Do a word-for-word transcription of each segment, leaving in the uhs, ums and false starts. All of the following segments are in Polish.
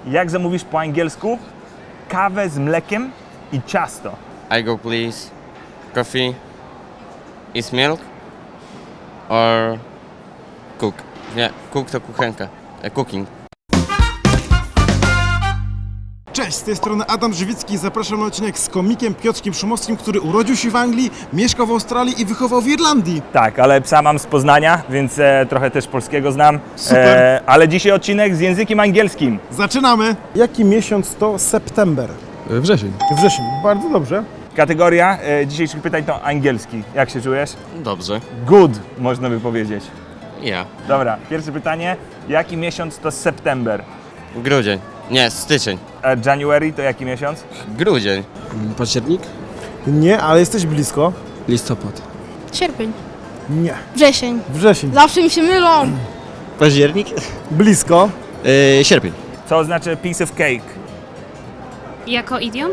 Jak zamówisz po angielsku kawę z mlekiem i ciasto? I go please. Coffee. Is milk? Or cook? Nie, cook to kuchenka. E, cooking. Cześć, z tej strony Adam Żywicki i zapraszam na odcinek z komikiem Piotrkiem Szumowskim, który urodził się w Anglii, mieszkał w Australii i wychował w Irlandii. Tak, ale psa mam z Poznania, więc e, trochę też polskiego znam. Super. E, ale dzisiaj odcinek z językiem angielskim. Zaczynamy! Jaki miesiąc to September? Wrzesień. Wrzesień, bardzo dobrze. Kategoria e, dzisiejszych pytań to angielski. Jak się czujesz? Dobrze. Good, można by powiedzieć. Ja. Dobra, pierwsze pytanie. Jaki miesiąc to September? Grudzień. Nie, styczeń. A January to jaki miesiąc? Grudzień. Październik? Nie, ale jesteś blisko. Listopad. Sierpień. Nie. Wrzesień. Wrzesień. Zawsze mi się mylą. Październik? Blisko. Yy, sierpień. Co oznacza piece of cake? Jako idiom?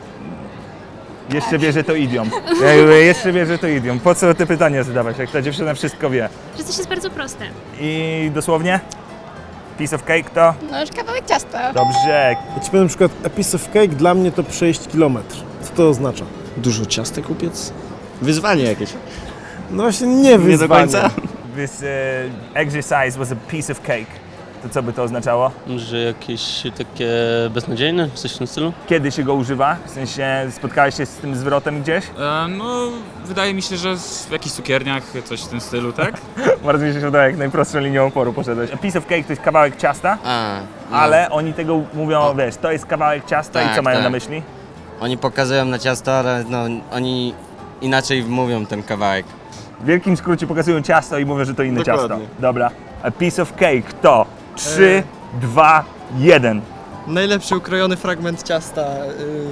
Jeszcze wie, że to idiom. Ja, jeszcze wie, że to idiom. Po co te pytania zadawać, jak ta dziewczyna wszystko wie? Że coś jest bardzo proste. I dosłownie? Piece of cake to? No już kawałek ciasta. Dobrze. Ja ci powiem na przykład, a piece of cake dla mnie to przejść kilometr. Co to oznacza? Dużo ciastek upiec? Wyzwanie jakieś. No właśnie nie wyzwanie. Nie do końca? This uh, exercise was a piece of cake. To co by to oznaczało? Że jakieś takie beznadziejne, coś w tym stylu? Kiedy się go używa? W sensie spotkałeś się z tym zwrotem gdzieś? E, no, wydaje mi się, że w jakichś cukierniach, coś w tym stylu, tak? Bardzo mi się podoba, jak najprostszą linią oporu poszedłeś. A piece of cake to jest kawałek ciasta, A, no. ale oni tego mówią, O. wiesz, to jest kawałek ciasta i Tak, co mają tak. na myśli? Oni pokazują na ciasto, ale no, oni inaczej mówią ten kawałek. W wielkim skrócie pokazują ciasto i mówią, że to inne Dokładnie. ciasto. Dobra. A piece of cake to trzy, dwa, jeden. Najlepszy ukrojony fragment ciasta. Yy...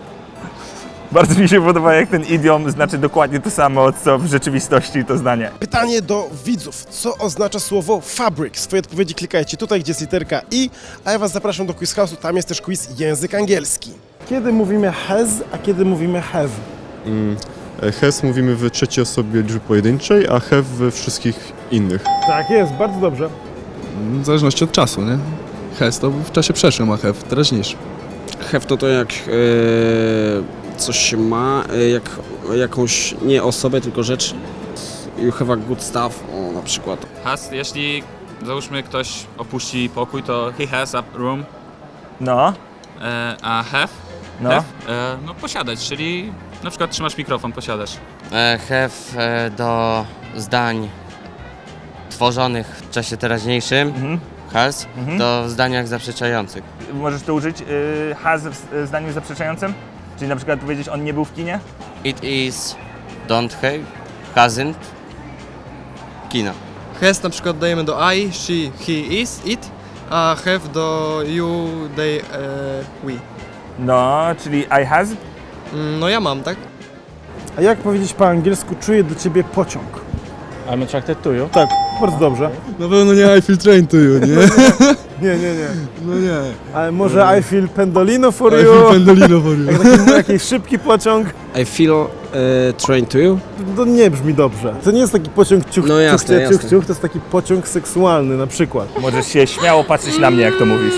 Bardzo mi się podoba, jak ten idiom znaczy dokładnie to samo, co w rzeczywistości to zdanie. Pytanie do widzów. Co oznacza słowo fabric? Swoje odpowiedzi klikajcie tutaj, gdzie jest literka I, a ja was zapraszam do Quiz House'u, tam jest też quiz język angielski. Kiedy mówimy has, a kiedy mówimy have? Mm. Has mówimy w trzeciej osobie liczby pojedynczej, a have we wszystkich innych. Tak jest, bardzo dobrze. W zależności od czasu, nie? Has to w czasie przeszłym, a have w teraźniejszym. Have to to jak e, coś się ma, e, jak jakąś nie osobę, tylko rzecz. You have a good stuff, o na przykład. Has, jeśli załóżmy ktoś opuści pokój, to he has a room, No, e, a have, no. have e, no posiadać, czyli na przykład trzymasz mikrofon, posiadasz. E, have e, do zdań tworzonych w czasie teraźniejszym, Mhm. has, Mhm. do zdaniach zaprzeczających. Możesz to użyć y, has w y, zdaniu zaprzeczającym? Czyli na przykład powiedzieć, on nie był w kinie? It is, don't have, hasn't, kino. Has na przykład dajemy do I, she, he, is, it, a have do you, they, e, we. No, czyli I has? Mm, No ja mam, tak? A jak powiedzieć po angielsku, czuję do ciebie pociąg? I'm attracted to you. Tak, bardzo dobrze. Na pewno nie I feel train to you, nie? Nie, nie, nie. No nie. Ale może I feel pendolino for I you? feel pendolino for you. Jak taki, jakiś szybki pociąg? I feel e, train to you. To nie brzmi dobrze. To nie jest taki pociąg ciuch, No jasne, ciuch, ciuch, jasne. ciuch, to jest taki pociąg seksualny na przykład. Możesz się śmiało patrzeć na mnie, jak to mówisz.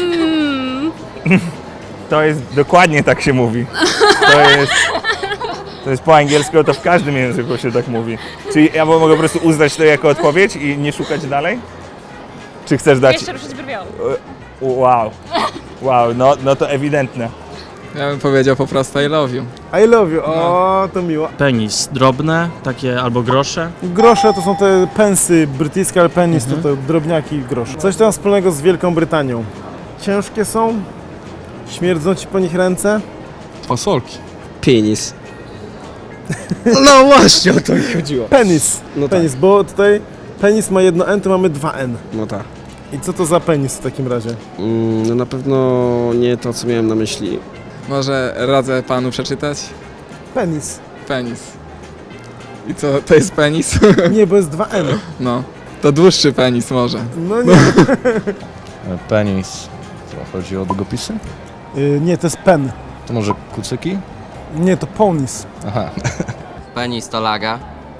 To jest, dokładnie tak się mówi. To jest, to jest po angielsku, to w każdym języku się tak mówi. Czyli ja mogę po prostu uznać to jako odpowiedź i nie szukać dalej? Czy chcesz dać... Jeszcze ruszyć brwią. Wow, wow, no, no to ewidentne. Ja bym powiedział po prostu I love you. I love you, o, to miło. Penis, drobne, takie albo grosze. Grosze to są te pensy brytyjskie, ale penis to te drobniaki i grosze. Coś tam wspólnego z Wielką Brytanią. Ciężkie są? Śmierdzą ci po nich ręce? Fasolki. Penis. No właśnie o to mi chodziło. Penis, No tak. penis, bo tutaj penis ma jedno N, to mamy dwa N. No tak. I co to za penis w takim razie? Mm, no na pewno nie to, co miałem na myśli. Może radzę panu przeczytać? Penis. Penis. I co, to jest penis? Nie, bo jest dwa N. No. To dłuższy penis może. No nie. Penis. Co, chodzi o długopisy? Y, nie, to jest pen. To może kucyki? Nie, to ponis. Aha. Penis to laga.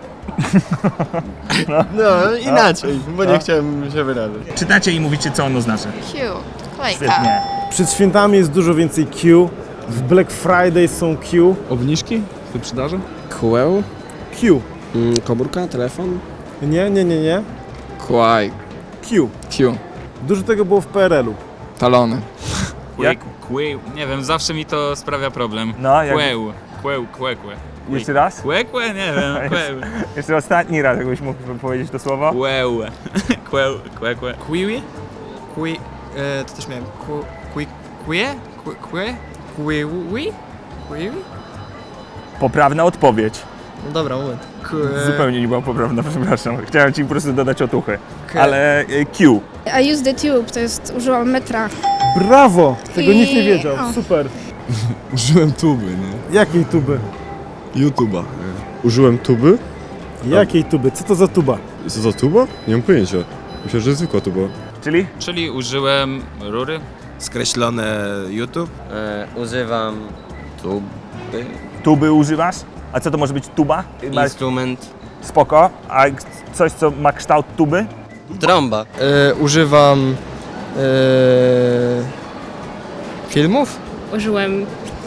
No, inaczej, bo nie chciałem się wyrazić. Czytacie i mówicie, co ono znaczy. Siu, kolejka. Świetnie. Przed świętami jest dużo więcej Q. W Black Friday są Q. Obniżki? Wyprzedaże? Kłeł, Q. mm, komórka, telefon. Nie, nie, nie, nie. Kłaj. Q. Q. Dużo tego było w P R L-u. Talony. Jak? Kłeł, nie wiem, zawsze mi to sprawia problem. No, jak... Kłeł, kłeł, kłe, kłe. Jeszcze raz? Kłe, kłe, nie wiem, kłeł. Jeszcze ostatni raz, jakbyś mógł powiedzieć to słowo. Kłeł, kłeł, kłe, kłe. Kiwi? Qui... E, to też miałem. Ku, qui... Quie? Qui... Quie? Quiwi? Quiwi? Poprawna odpowiedź. No dobra, moment. Que... Zupełnie nie była poprawna, przepraszam. Chciałem ci po prostu dodać otuchy. Ke- Ale y, Q. I use the tube, to jest, użyłam metra. Brawo! Tego I- nikt nie wiedział. o. Super. Użyłem tuby, nie? Jakiej tuby? YouTube'a. Użyłem tuby. Jakiej tuby? Co to za tuba? Co za tuba? Nie mam pojęcia. Myślę, że zwykła tuba. Czyli? Czyli użyłem rury. Skreślone YouTube? E, używam tuby, Tuby używasz? A co to może być tuba? Ma instrument, spoko. A coś, co ma kształt tuby? trąba. E, używam... E, filmów? Użyłem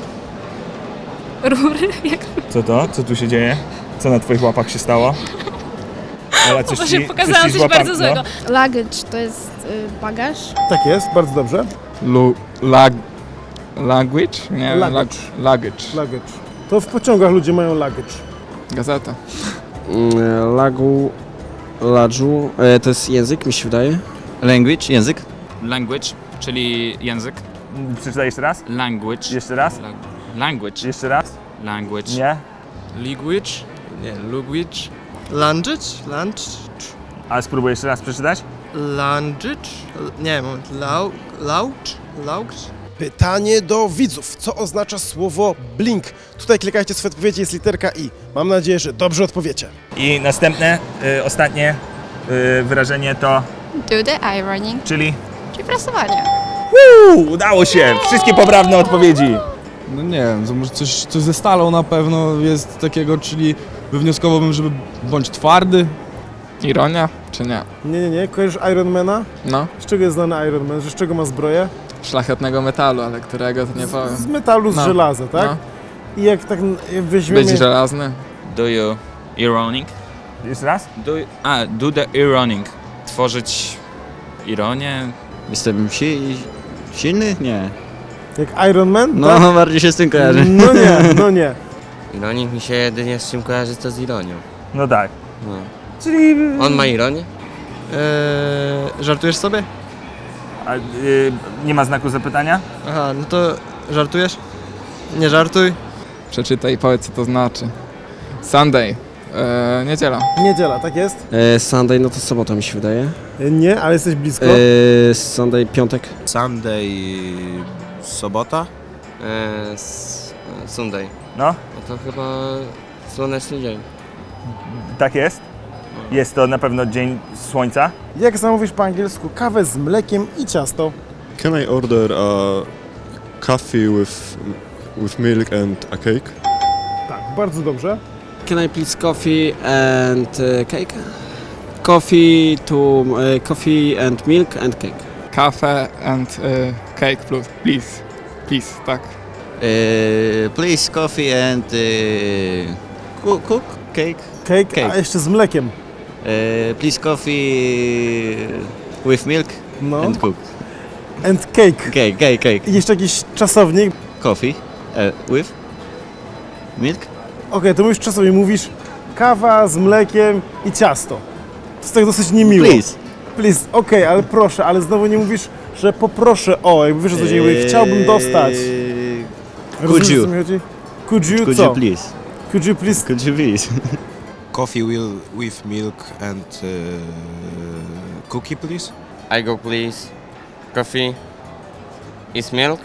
rury. Jak Co to? Co tu się dzieje? Co na twoich łapach się stało? Ola, coś Boże, ci, pokazałam ci coś złapa- bardzo złego. Luggage to jest y, bagaż. Tak jest, bardzo dobrze. Lu... Lag... Language? Nie, Luggage. Luggage. Luggage. To w pociągach ludzie mają luggage. Gazeta. Mm, lagu... Ladżu... E, to jest język, mi się wydaje. Language, język? Language, czyli język. No. Przeczytaj jeszcze raz? Language. Jeszcze raz? La- Language. Jeszcze raz? Language. Nie? Language? Nie, language. Language? Language? A spróbuj jeszcze raz przeczytać? Language? Nie, moment. Lau... Laucz? Laucz? Pytanie do widzów. Co oznacza słowo blink? Tutaj klikajcie swoje odpowiedzi, jest literka I. Mam nadzieję, że dobrze odpowiecie. I następne, y, ostatnie y, wyrażenie to, Do the ironing, czyli... czyli prasowanie. Uuu, udało się! Wszystkie poprawne odpowiedzi. No nie wiem, to może coś, coś ze stalą na pewno jest takiego, czyli wywnioskowałbym, żeby bądź twardy. Ironia? Czy nie? Nie, nie, nie. Kojarzysz Ironmana? No. Z czego jest znany Iron Man? Że z czego ma zbroję? Szlachetnego metalu, ale którego to nie powiem. Z metalu, z No. żelaza, tak? No. I jak tak jak weźmiemy... Będzie żelazny. Do you ironic? Jeszcze raz? Do, a, do the ironic. Tworzyć ironię. Jestem si silny? Nie. Jak Iron Man? No, tak? bardziej się z tym kojarzy. No nie, no nie. Ironik mi się jedynie z czym kojarzy, to z ironią. No tak. No. Czyli... On ma ironię? Eee, żartujesz sobie? A, y, nie ma znaku zapytania? Aha, no to żartujesz? Nie żartuj. Przeczytaj i powiedz, co to znaczy. Sunday. Eee, niedziela. Niedziela, tak jest? E, Sunday, no to sobota mi się wydaje. Nie, ale jesteś blisko. E, Sunday, piątek. Sunday... sobota? E, s, e, Sunday. No, No to chyba słoneczny dzień. tak jest. Jest to na pewno dzień słońca. Jak zamówisz po angielsku kawę z mlekiem i ciasto? Can I order a coffee with, with milk and a cake? Tak, bardzo dobrze. Can I please coffee and uh, cake? Coffee to... Uh, coffee and milk and cake. Kafe and y, cake plus. Please. Please, tak. Uh, please coffee and uh, cook, cook cake. Cake, Cake. a jeszcze z mlekiem. Uh, please coffee with milk No. and cook. And cake. Cake, cake, cake. I jeszcze jakiś czasownik. Coffee uh, with milk. Okej, to mówisz czasownik, mówisz kawa z mlekiem i ciasto. To jest tak dosyć niemiło. Please. Please, okej, ale proszę, ale znowu nie mówisz, że poproszę o, jakby wiesz o co chodzi, jakby chciałbym dostać. Eee, Rozumiesz, you? o co mi chodzi? Could you Could co? you please? Could you please? Could you please? Coffee will with milk and cookie, please? I go please. Coffee is milk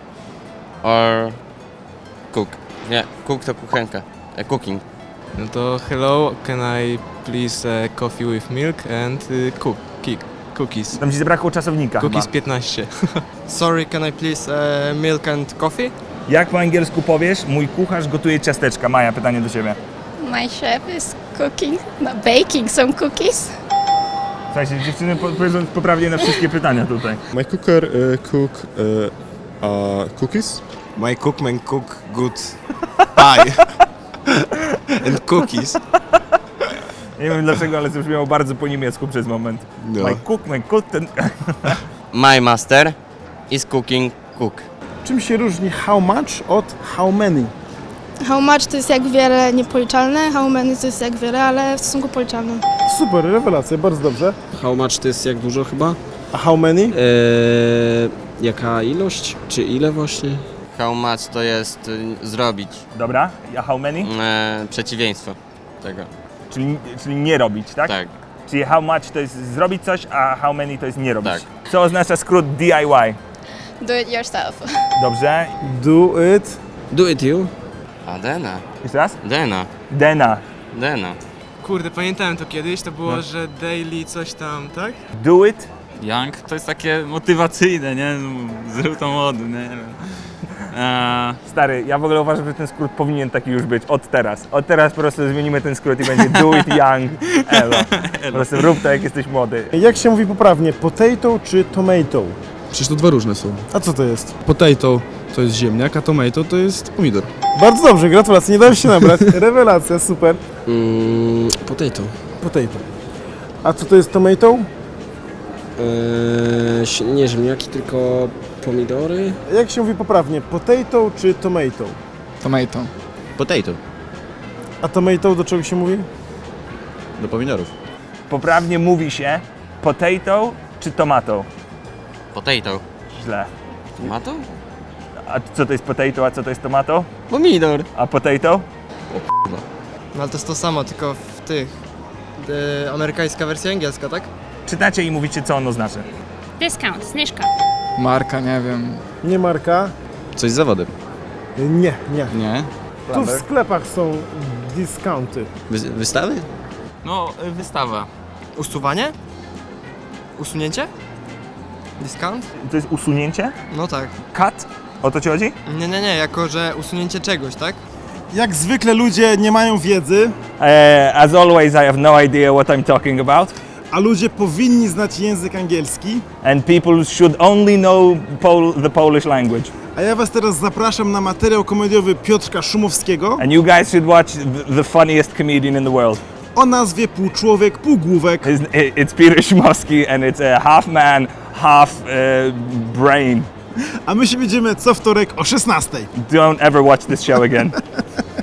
or cook? Nie, cook to kuchenka. E, cooking. No to hello, can I please uh, coffee with milk and uh, cook, kick, cookies? Tam ci zabrakło czasownika Cookies chyba. piętnaście. Sorry, can I please uh, milk and coffee? Jak po angielsku powiesz, mój kucharz gotuje ciasteczka? Maja, pytanie do ciebie. My chef is cooking, no, baking some cookies. Słuchajcie, dziewczyny po- powiedzą poprawnie na wszystkie pytania tutaj. My cooker uh, cook uh, A cookies? My cookman cook good pie and cookies. Nie wiem dlaczego, ale zabrzmiało bardzo po niemiecku przez moment. No. My cook, my cook, ten... My master is cooking cook. Czym się różni how much od how many? How much to jest jak wiele niepoliczalne, how many to jest jak wiele, ale w stosunku policzalnym. Super, rewelacja, bardzo dobrze. How much to jest jak dużo chyba? A how many? Eee, jaka ilość? Czy ile właśnie? How much to jest y, zrobić. Dobra, a how many? E, przeciwieństwo tego. Czyli, czyli nie robić, tak? Tak. Czyli how much to jest zrobić coś, a how many to jest nie robić. Tak. Co oznacza skrót D I Y? Do it yourself. Dobrze. Do it. Do it you. A Dena. Jeszcze raz? Dena. Dena. Dena. Kurde, pamiętałem to kiedyś, to było, No. że daily coś tam, tak? Do it. Young to jest takie motywacyjne, nie? Zrób to młody, nie? Eee, Stary, ja w ogóle uważam, że ten skrót powinien taki już być od teraz. Od teraz po prostu zmienimy ten skrót i będzie do it young, elo. Po prostu rób to jak jesteś młody. Jak się mówi poprawnie, potato czy tomato? Przecież to dwa różne są. A co to jest? Potato to jest ziemniak, a tomato to jest pomidor. Bardzo dobrze, gratulacje, nie dałem się nabrać. Rewelacja, super. Mm, potato. Potato. A co to jest tomato? Eee, si- nie ziemniaki, tylko pomidory. Jak się mówi poprawnie, potato czy tomato? Tomato. Potato. A tomato do czego się mówi? Do pomidorów. Poprawnie mówi się potato czy tomato? Potato. Źle. Tomato? A co to jest potato, a co to jest tomato? Pomidor. A potato? No ale to jest to samo, tylko w tych... E, amerykańska wersja angielska, tak? Czytacie i mówicie, co ono znaczy. Discount, zniżka. Marka, nie wiem. Nie marka? Coś z zawody. Nie, nie. Nie. Tu w sklepach są discounty. Wy, wystawy? no, y, wystawa. Usuwanie? Usunięcie? Discount? To jest usunięcie? No tak. Cut? O to ci chodzi? Nie, nie, nie, jako że usunięcie czegoś, tak? Jak zwykle ludzie nie mają wiedzy, Uh, as always, I have no idea what I'm talking about. a ludzie powinni znać język angielski. And people should only know Pol the Polish language. A ja was teraz zapraszam na materiał komediowy Piotrka Szumowskiego And you guys should watch the, the funniest comedian in the world. o nazwie Pół Człowiek, Pół Główek. His, it's Peter Szumowski and it's a half man, half uh, brain. A my się widzimy co wtorek o szesnastej. Don't ever watch this show again.